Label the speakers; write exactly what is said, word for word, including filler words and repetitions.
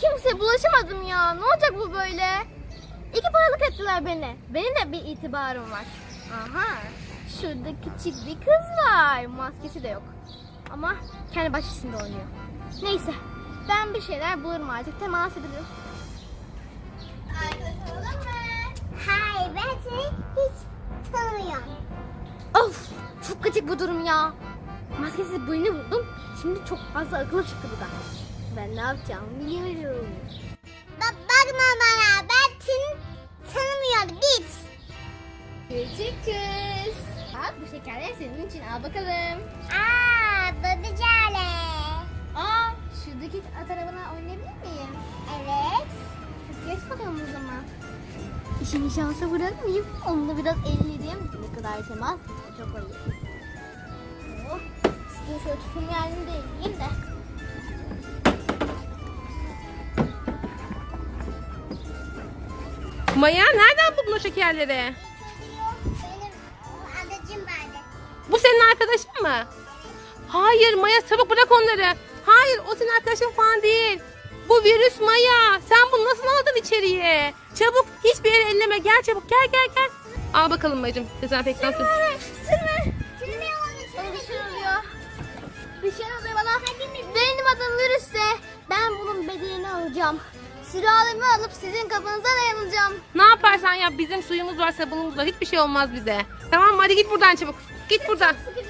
Speaker 1: kimseye bulaşamadım ya. Ne olacak bu böyle? İki paralık ettiler beni. Benim de bir itibarım var. Aha. Şurada küçük bir kız var. Maskesi de yok. Ama kendi bahçesinde oynuyor. Neyse. Ben bir şeyler bulurum artık. Temas edelim. Arkadaş olalım mı?
Speaker 2: Hayır, ben seni hiç tanımıyorum.
Speaker 1: Of. Çok gıcık bu durum ya. Maskesiz birini buldum. Şimdi çok fazla akıllı çıktı bu da. Ben ne yapacağımı biliyorum.
Speaker 2: Bak, bakma bana, ben seni tanımıyorum, git.
Speaker 1: Küçük kız. Bak bu şekerler senin için, al bakalım.
Speaker 2: Aa, babacale.
Speaker 1: Aa, şuradaki at arabana oynayabilir miyim?
Speaker 2: Evet.
Speaker 1: Hadi geç bakalım o zaman. İşini şansa bırakmayayım. Onunla biraz elleyeyim. Ne kadar temas. Çok iyi. Oh, size şöyle tutum yerini de elleyeyim de.
Speaker 3: Maya nereden buldun o şekerleri?
Speaker 2: Benim adacım vardı.
Speaker 3: Bu senin arkadaşın mı? Hayır Maya, çabuk bırak onları. Hayır, o senin arkadaşın falan değil. Bu virüs Maya. Sen bunu nasıl aldın içeriye? Çabuk, hiçbir yere elleme. Gel çabuk, gel gel gel. Al bakalım Mayacığım, dezenfektan suyu.
Speaker 1: Sürme.
Speaker 2: Sürme onu,
Speaker 1: Bana bir
Speaker 2: sürme.
Speaker 1: şey oluyor. Bir şey oluyor bana. Benim adım virüsse. Ben bunun bedelini alacağım. Sülalemi alıp sizin kafanıza dayanacağım.
Speaker 3: Ne yaparsan yap, bizim suyumuz var, sabunumuz var. Hiçbir şey olmaz bize. Tamam mı? Hadi git buradan çabuk. Git buradan.
Speaker 1: Sıkı